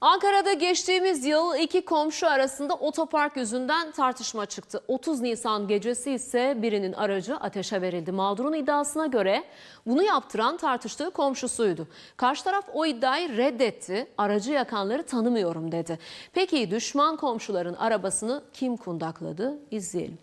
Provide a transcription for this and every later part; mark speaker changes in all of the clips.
Speaker 1: Ankara'da geçtiğimiz yıl iki komşu arasında otopark yüzünden tartışma çıktı. 30 Nisan gecesi ise birinin aracı ateşe verildi. Mağdurun iddiasına göre bunu yaptıran tartıştığı komşusuydu. Karşı taraf o iddiayı reddetti. Aracı yakanları tanımıyorum dedi. Peki düşman komşuların arabasını kim kundakladı? İzleyelim.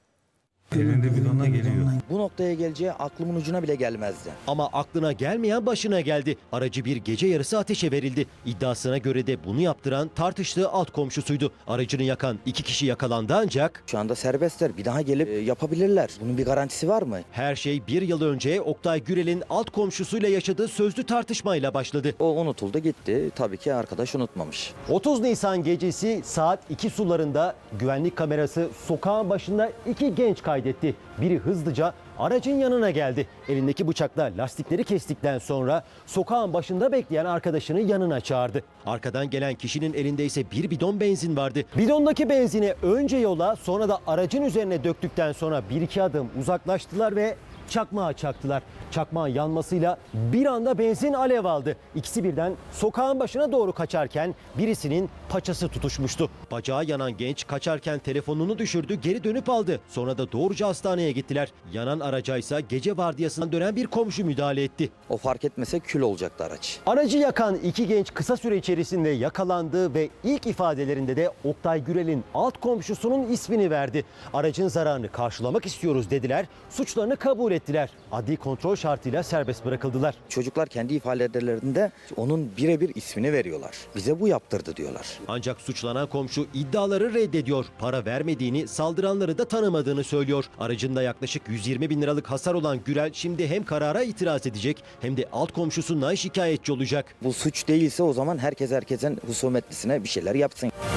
Speaker 2: Elinde bidonla geliyor.
Speaker 3: Bu noktaya geleceği aklımın ucuna bile gelmezdi.
Speaker 4: Ama aklına gelmeyen başına geldi. Aracı bir gece yarısı ateşe verildi. İddiasına göre de bunu yaptıran tartıştığı alt komşusuydu. Aracını yakan iki kişi yakalandı ancak
Speaker 3: Şu anda serbestler. Bir daha gelip yapabilirler. Bunun bir garantisi var mı?
Speaker 4: her şey bir yıl önce Oktay Gürel'in alt komşusuyla yaşadığı sözlü tartışmayla başladı.
Speaker 3: O unutuldu gitti. Tabii ki arkadaş unutmamış.
Speaker 4: 30 Nisan gecesi saat 2 sularında güvenlik kamerası sokağın başında iki genç kaydetti. Biri hızlıca aracın yanına geldi. Elindeki bıçakla lastikleri kestikten sonra sokağın başında bekleyen arkadaşını yanına çağırdı. Arkadan gelen kişinin elinde ise bir bidon benzin vardı. Bidondaki benzini önce yola sonra da aracın üzerine döktükten sonra bir iki adım uzaklaştılar ve çakmağı çaktılar. Çakmağın yanmasıyla bir anda benzin alev aldı. İkisi birden sokağın başına doğru kaçarken birisinin paçası tutuşmuştu. Bacağı yanan genç kaçarken telefonunu düşürdü, geri dönüp aldı. Sonra da doğruca hastaneye gittiler. Yanan araca ise gece vardiyasından dönen bir komşu müdahale etti.
Speaker 3: O fark etmese kül olacaktı araç.
Speaker 4: Aracı yakan iki genç kısa süre içerisinde yakalandı ve ilk ifadelerinde de Oktay Gürel'in alt komşusunun ismini verdi. Aracın zararını karşılamak istiyoruz dediler, suçlarını kabul ettiler. Adli kontrol şartıyla serbest bırakıldılar.
Speaker 3: Çocuklar kendi ifadelerinde onun birebir ismini veriyorlar. Bize bu yaptırdı diyorlar.
Speaker 4: Ancak suçlanan komşu iddiaları reddediyor. Para vermediğini, saldıranları da tanımadığını söylüyor. Aracında yaklaşık 120 bin liralık hasar olan Gürel şimdi hem karara itiraz edecek hem de alt komşusundan şikayetçi olacak.
Speaker 3: Bu suç değilse o zaman herkes herkesin husumetlisine bir şeyler yapsın.